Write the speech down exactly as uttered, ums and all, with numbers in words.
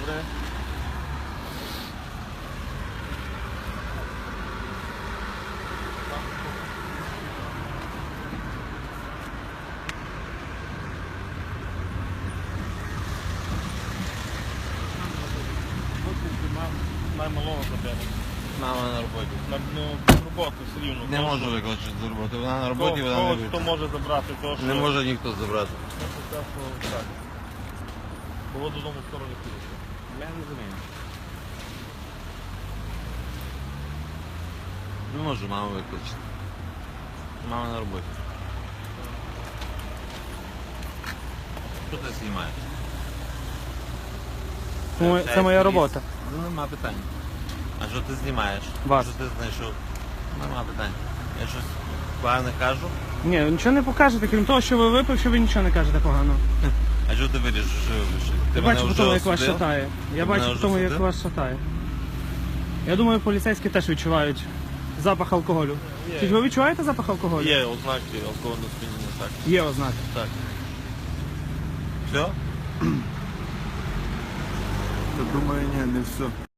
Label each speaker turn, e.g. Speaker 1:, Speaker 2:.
Speaker 1: Добре. Наймалого забили.
Speaker 2: Мама на роботі.
Speaker 1: На ну, роботу все рівно.
Speaker 2: Не можу викликати з роботи. Вона на роботі, вона не
Speaker 1: Кого хто
Speaker 2: вийде.
Speaker 1: може забрати, то що...
Speaker 2: Не може ніхто забрати.
Speaker 1: Так. Було додому в сторону підійшли.
Speaker 2: Я не розумію. Не можу маму викликати. Мама на роботі. Що ти знімаєш?
Speaker 3: Це моя робота.
Speaker 2: Ну, нема питань. А що ти знімаєш?
Speaker 3: Вас.
Speaker 2: Що ти знайшов? Нема питань. Я щось погане кажу?
Speaker 3: Ні, нічого не покажете, крім того, що ви випивши, ви нічого не кажете поганого.
Speaker 2: А що ти вирішиш, що я вирішив? Ти
Speaker 3: Я
Speaker 2: мене
Speaker 3: бачу по
Speaker 2: вже
Speaker 3: тому, як вас
Speaker 2: осудив?
Speaker 3: шатає. Я
Speaker 2: Ти
Speaker 3: бачу
Speaker 2: мене
Speaker 3: по
Speaker 2: вже
Speaker 3: тому, як
Speaker 2: осудив?
Speaker 3: вас шатає. Я думаю, поліцейські теж відчувають запах алкоголю.
Speaker 1: Є.
Speaker 3: Чи ж ви відчуваєте запах алкоголю?
Speaker 1: Є ознаки алкогольного сп'яніння, так.
Speaker 3: Є ознаки.
Speaker 1: Так.
Speaker 2: Все?
Speaker 4: Думаю, ні, не все.